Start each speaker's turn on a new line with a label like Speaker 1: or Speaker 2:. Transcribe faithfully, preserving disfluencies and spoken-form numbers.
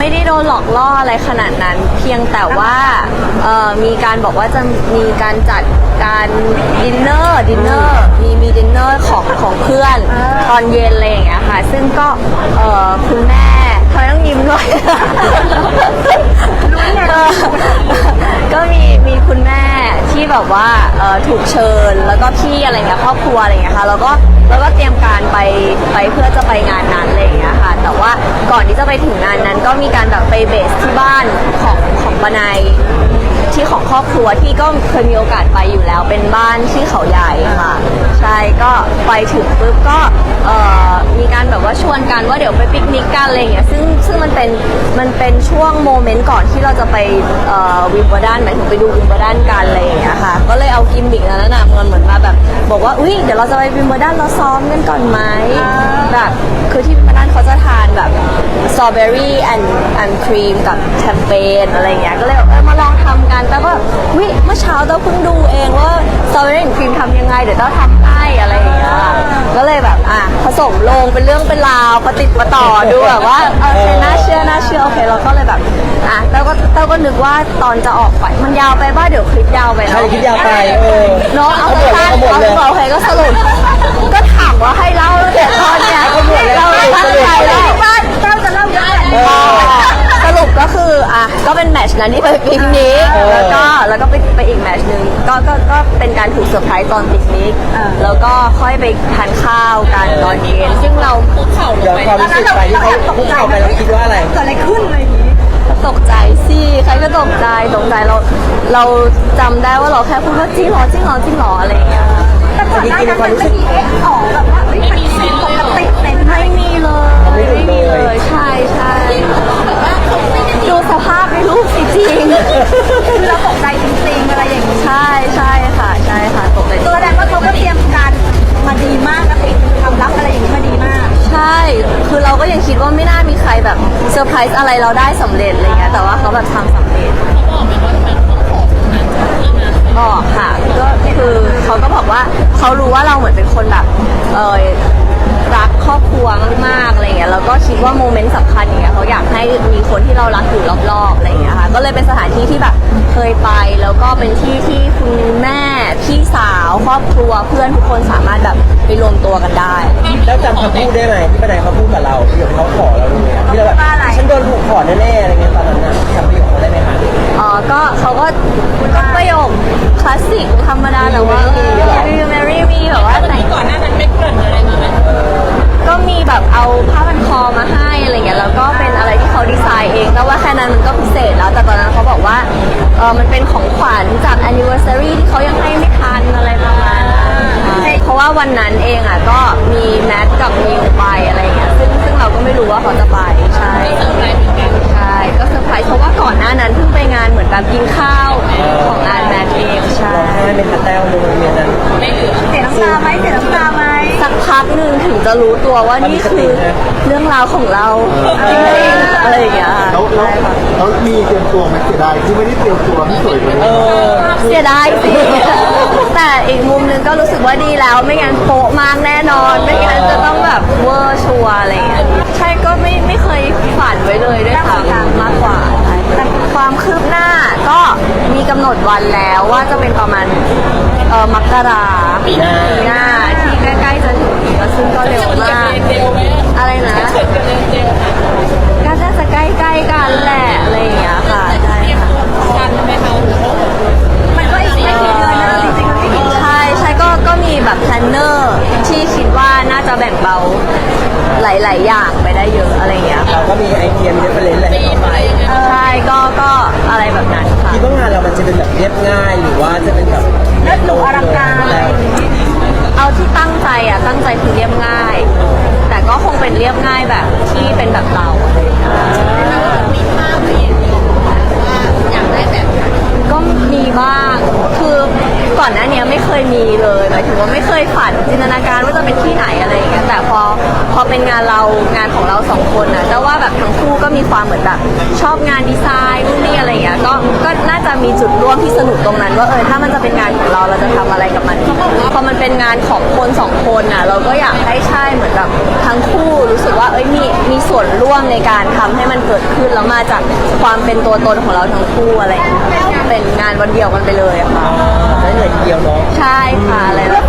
Speaker 1: ไม่ได้โดนหลอกล่ออะไรขนาดนั้น เพียงแต่ว่าเอ่อมีการบอกว่าจะมีการจัดการดินเนอร์ดินเนอร์มีมีดินเนอร์ของของเพื่อนตอนเย็นอะไรอย่างเงี้ยค่ะซึ่งก็เอ่อคุณแม่เธอต้องยิ้มด้วย ก็มีมีคุณแม่ที่แบบว่าเอ่อถูกเชิญแล้วก็พี่อะไรเงี้ยครอบครัวอะไรเงี้ยค่ะแล้วก็แล้วก็เตรียมการไปไปเพื่อจะไปงานนั้นอะไรเงี้ยค่ะแต่ว่าก่อนที่จะไปถึงงานนั้นก็มีการแบบไปเบสที่บ้านของของปนายที่ของครอบครัวที่ก็เคยมีโอกาสไปอยู่แล้วเป็นบ้านที่เขาใหญ่ค่ะใช่ก็ไปถึงปุ๊บก็เอ่อมีการแบบว่าชวนกันว่าเดี๋ยวไปปิกนิกกันอะไรเงี้ยซึ่งซึ่งมันเป็นมันเป็นช่วงโมเมนต์ก่อนที่เราจะไปเอ่อวิมเบิลดันหมายถึงไปดูวิมเบิลดันกันอะไรอย่างเงี้ยค่ะก็เลยเอากิมมิกนั้นนะมันเหมือนมาแบบบอกว่าอุ้ยเดี๋ยวเราจะไปวิมเบิลดันเราซ้อมกันก่อนไหมแบบคือที่วิมเบิลดันเขาจะทานแบบสตรอเบอรี่แอนด์แอนด์ครีมกับแชมเปญอะไรเงี้ยก็เลยแบบเออมาลองทำกันแต่ก็แบบอุ้ยเมื่อเช้าเราเพิ่งดูเองว่าสตรอเบอรี่แอนด์ครีมทำยังไงเดี๋ยวเราทำให้อะไรอย่างเงี้ยก็เลยแบบอ่ะผสมลงเป็นเรื่องเป็นราวประติดประต่อดูแบบว่าเออน่าเชื่อน่าเชื่อโอเคเราก็เลยแบบอ่ะเต้าก็เต้าก็นึกว่าตอนจะออกไปมันยาวไปบ้าเดี๋ยวคลิปยาวไปเนาะ
Speaker 2: ใช่คลิปยาวไปเออ
Speaker 1: เนาะเอาสั้นๆเอาโอเคก็สรุปก็ถามว่าให้เล่าตั้งแต่ตอนเนี้ยเราไม่ตั้งใจเล่าบ้านเต้าจะเล่าเยอะสรุปก็คืออ่ะก็เป็นแมตช์นั้นที่ไปปิกนิกแล้วก็แล้วก็ไปไปอีกแมตช์หนึ่งก็ก็ก็เป็นการถูกเซอร์ไพรส์ตอนปิกนิกแล้วก็ค่อยไปทานข้าวกันตอนเย็นซึ่งเราคุกเข่าลง
Speaker 2: ย้อน
Speaker 1: ไป
Speaker 2: ความรู้สึกไปที่เขาคุกเข่าไปแล้วคิดว่าอะไร
Speaker 3: เกิดอะไรขึ้นอะไรอย่างนี้
Speaker 1: ตกใจสิใครก็ตกใจตกใจเราเราจำได้ว่าเราแค่พูดว่าจริงเหรอจริงเหรอจริงเหรออะไรอย่างเงี้ย
Speaker 3: แต่ก่อนหน้านั้นมันไม่มีเอ็กซ์ออกแบบว่าเฮ้ยมันมีปกติเต็ม
Speaker 1: ไม่มีเลยไม่มีเลยใช่ใช่ดูสภาพในรูปสิจริง
Speaker 3: คือเราตกใจจริงๆอะไรอย่างนี้
Speaker 1: ใช่ใช่ค่ะใช่ค่ะตกใจ
Speaker 3: ตัวแสดงว่าเขาก็เตรียมการมาดีมากนะปิดความลับอะไรอย่างนี้มาดีมาก
Speaker 1: ใช่คือเราก็ยังคิดว่าไม่น่ามีใครแบบเซอร์ไพรส์อะไรเราได้สำเร็จอะไรเงี้ยแต่ว่าเขาแบบทำสำเร็จบอกค่ะก็คือเขาก็บอกว่าเขารู้ว่าเราเหมือนเป็นคนแบบเออรักครอบครัวมากๆอะไรเงี้ยแล้วก็คิดว่าโมเมนต์สำคัญอย่างเงี้ยเขาอยากให้มีคนที่เรารักอยู่รอบๆอะไรเงี้ยค่ะก็เลยเป็นสถานที่ที่แบบเคยไปแล้วก็เป็นที่ที่คุณแม่พี่สาวครอบครัวเพื่อนทุกคนสามารถแบบไปรวมตัวกันได้
Speaker 2: แล้วจำคำพูดได้ไหมที่ป้าแดงเขาพูดกับเราที่เขาขอเราเลยที่เราแบบฉันโดนถูกขอแน่ๆอะไรเงี้ยตอนนั้นนะจำประโยคเขาได้ไหมคะ
Speaker 1: อ๋อก็เขาก็ก็ประโยคคลาสสิกธรรมดาแต่ว่า Will you marry me แบบว่าแต่งก่อนหน้านั้นไม่เกริ่นอะไรมาไหมก็มีแบบเอาผ้าพันคอมาให้อะไรเงี้ยแล้วก็เป็นอะไรที่เขาดีไซน์เองแต่ว่าแค่นั้นมันก็พิเศษแล้วแต่ตอนนั้นเขาบอกว่าเออมันเป็นของขวัญจาก anniversary ที่เขายังให้ไม่ทันอะไรประมาณนั้นเพราะว่าวันนั้นเองอ่ะก็มีแมทกับมิวไปอะไรเงี้ยซึ่งซึ่งเราก็ไม่รู้ว่าเขาจะไปใช่ใช่ก็เซอร์ไพรส์เพราะว่าก่อนหน้านั้นเพิ่งไปงานเหมือนแบบกินข้าวของงานแมทเองใช่
Speaker 2: ร้องไห้เป็นคาแต้วในโรงเรียนนั้น
Speaker 3: เสียน้ำตาไหมเสียน้ำตาไหม
Speaker 1: สักพักหนึ่งถึงจะรู้ตัวว่านี่คือเรื่องราวของเราจริงๆอะไรอย่างเงี้ย
Speaker 4: แล้วแล้วแล้วมีเตรียมตัวไหมเสียดายที่ไม่ได้เตรียมตัวที่สวยกว่า
Speaker 2: เอ
Speaker 4: นี้
Speaker 2: อ
Speaker 1: เสียดายสิแต่อีกมุมหนึงก็รู้สึกว่าดีแล้วไม่งั้นโป๊ะมากแน่นอน ไม่งั้นจะต้องแบบเวอร์ชัวร์อะไรอย่างเงี้ยใช่ก็ไม่ไม่เคยฝันไว้เลยด้วยซ้ำมากกว่าแต่ความคืบหน้าก็มีกำหนดวันแล้วว่าจะเป็นประมาณเออมกราปีหน้าปีหน้าที่ใกล้ๆจะถึงแล้วซึ่งก็เร็วมากอะไรนะก็น่าจะใกล้ๆกันแหละอะไรอย่างเงี้ยค่ะใช่ค่ะ
Speaker 3: มันก็อีกไม่กี่เดือนนะจริงๆมันไม่กี่เดือน
Speaker 1: ใช่ใช่ก็ก็มีแบบแพลนเนอร์ที่คิดว่าน่าจะแบ่งเบาหลาย ๆ อย่างไปได้เยอะอะไรอย่างเงี้ยค่ะ
Speaker 2: เราก็มีไอเดียมีเรฟเฟรนซ์อะไรให้เขาไป
Speaker 1: ใช่ก็ก็อะไรแบบนั้นค่ะ
Speaker 2: คิดว่างานเรามันจะเป็นแบบเรียบง่ายหรือว่าจะเป็นแบบ
Speaker 3: เลิศหรูอลังการ
Speaker 2: แล้ว
Speaker 1: เอาที่ตั้งใจอ่ะตั้งใจคือเรียบง่าย แต่ก็คงเป็นเรียบง่ายแบบที่เป็นแบบเราก็มีบ้างคือก่อนหน้านี้ไม่เคยมีเลยหมายถึงว่าไม่เคยฝันจินตนาการว่าจะเป็นที่ไหนอะไรอย่างเงี้ยแต่พอพอเป็นงานเรางานของเราสองคนนะแต่ว่าแบบทั้งคู่ก็มีความเหมือนแบบชอบงานดีไซน์นู่นนี่อะไรอย่างเงี้ยก็ก็น่าจะมีจุดร่วมที่สนุกตรงนั้นว่าเออถ้ามันจะเป็นงานของเราเราจะทำอะไรกับมันพอมันเป็นงานของคนสองคนน่ะเราก็อยากให้ใช่เหมือนแบบทั้งคู่รู้สึกว่าเอ้ยมีมีส่วนร่วมในการทำให้มันเกิดขึ้นแล้วมาจากความเป็นตัวตนของเราทั้งคู่อะไรอย่างเงี้ยเป็นงานวันเดียวกันไปเลยอะค่ะ
Speaker 2: ได้เลยทีเดียวเนาะ
Speaker 1: ใช่ค่ะอะไรแบบ